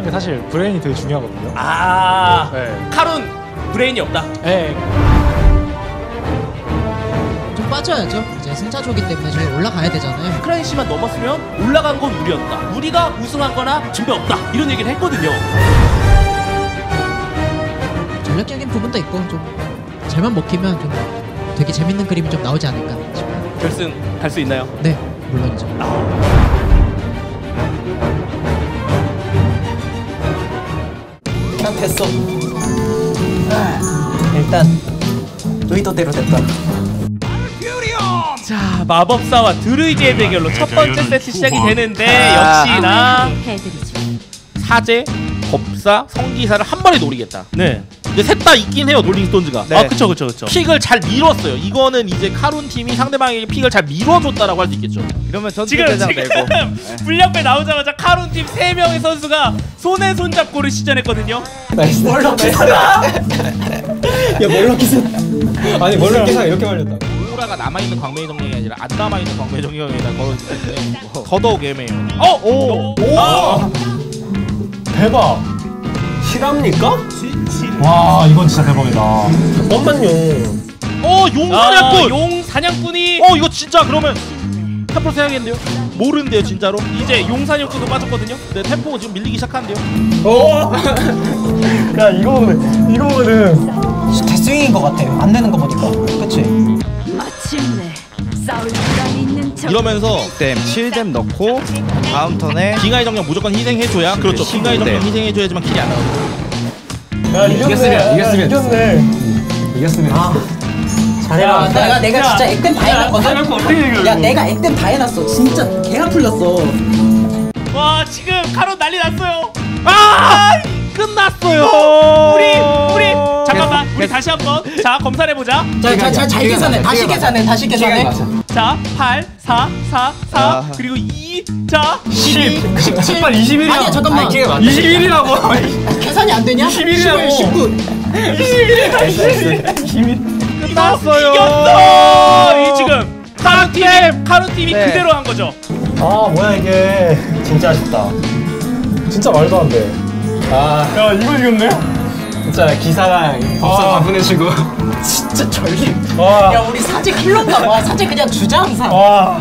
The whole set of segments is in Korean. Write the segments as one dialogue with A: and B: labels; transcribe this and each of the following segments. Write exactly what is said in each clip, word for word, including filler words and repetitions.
A: 중요한 게 사실 브레인이 되게 중요하거든요.
B: 아,
A: 네.
B: 칼은 브레인이 없다.
A: 네.
C: 좀 빠져야죠. 이제 승자조기 때문에 저희 올라가야 되잖아요.
B: 크라이시만 넘었으면 올라간 건 우리였다. 우리가 우승한거나 증배 없다. 이런 얘기를 했거든요.
C: 전략적인 부분도 있고 좀 잘만 먹히면 좀 되게 재밌는 그림이 좀 나오지 않을까 싶어요.
B: 결승 갈 수 있나요?
C: 네, 물론이죠.
D: 일단 됐어. 일단 의도대로 됐다.
B: 자, 마법사와 드루이드의 대결로 첫 번째 세트 시작이 되는데 역시나 사제, 법사, 성기사를 한 번에 노리겠다.
E: 네.
B: 근데 셋 다 있긴 해요, 롤링스톤즈가.
E: 네. 아 그쵸 그쵸 그쵸.
B: 픽을 잘 밀었어요. 이거는 이제 카룬 팀이 상대방에게 픽을 잘 밀어줬다라고 할 수 있겠죠.
E: 이러면 전투
B: 지금
E: 대장
B: 지금
E: 되고.
B: 불량배 나오자마자 카룬 팀 세 명의 선수가 손에 손 잡고를 시전했거든요.
D: 나이스. 멀럭 기사다. 야 멀럭 기사. 아니 멀럭 기사 이렇게 말렸다.
B: 오라가 남아있는 광명의 정령이 아니라 안 남아있는 광명의 정령에다 걸어주기 때문에 더더욱 애매해요. 어! 오!
D: 오!
B: 아!
D: 대박. 실합니까?
A: 와 이건 진짜 대박이다.
D: 잠깐만요.
B: 어! 용 사냥꾼!
E: 아,
B: 용 사냥꾼이
E: 어 이거 진짜 그러면 템포 세야겠는데요? 모르는데요 진짜로?
B: 이제 용 사냥꾼도 빠졌거든요.
E: 네 템포가 지금 밀리기 시작하는데요?
D: 오! 야 이거 보면 이거 보면은 데스윙인 것 같아. 안 되는 거 보니까. 그치?
F: 마침내 싸울 시간이 있는 척.
E: 이러면서
G: 댐 칠 댐 넣고 다음 턴에
E: 빙하의 정령 무조건 희생해줘야 그렇죠. 빙하의 정령 희생해줘야지만 킬이 안 나오죠.
D: 야 이겼으면 이겼으면 이겼네. 이겼으면. 아. 잘해라. 내가 내가 진짜 액땜 다 해놨거든. 야 내가 액땜 다 해놨어. 진짜 개가 풀렸어.
B: 와 지금 카론 난리 났어요. 아! 끝났어요. 우리 우리 잠깐만 우리 다시 한번 자 검사해보자.
D: 자자잘 계산해. 다시 계산해. 다시 계산해.
B: 자 팔, 사, 사, 사
G: 아.
B: 그리고 이 자
D: 십, 십칠, 이십일이야. 아니야 잠깐만. 이십일이라고. 계산이 안 되냐? 이십일이라고. 십구. 이십일.
B: 끝났어요. 이겼어. 이 지금 카룬 팀 카룬 팀이
G: 네.
B: 그대로 한 거죠.
D: 아 뭐야 이게. 진짜 아쉽다. 진짜 말도 안 돼. 아. 야 이거 이겼네? 진짜 기사랑 법사 다 보내시고. 진짜 전립. 와. 야 우리 사제 킬러인가 봐. 사제 그냥 주자 항상. 와.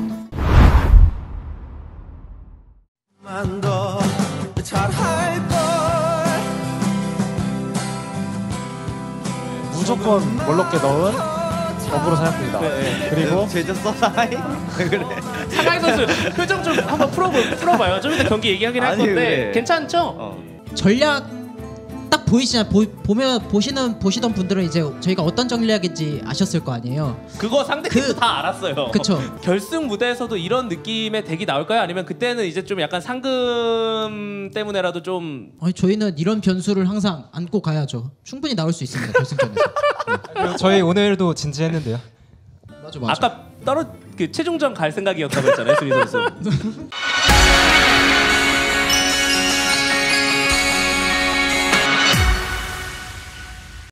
A: 무조건 멀럭게 넣은 어그로 사냥꾼이다. 그리고
G: 제재 써라이? 그래.
B: 사가이 선수 표정 좀 한번 풀어보, 풀어봐요. 좀 이따 경기 얘기하긴 할
G: 아니,
B: 건데
G: 그래.
B: 괜찮죠?
G: 어.
C: 전략 딱 보이시나 보, 보면 보시는 보시던 분들은 이제 저희가 어떤 전략인지 아셨을 거 아니에요.
B: 그거 상대팀도
C: 그-
B: 다 알았어요.
C: 그쵸.
B: 결승 무대에서도 이런 느낌의 덱이 나올까요? 아니면 그때는 이제 좀 약간 상금 때문에라도 좀
C: 아니 저희는 이런 변수를 항상 안고 가야죠. 충분히 나올 수 있습니다 결승전에서.
H: 저희 오늘도 진지했는데요.
C: 맞아 맞아.
B: 아까 떨어 그 최종전 갈 생각이었다고 했잖아요, 수리 선수.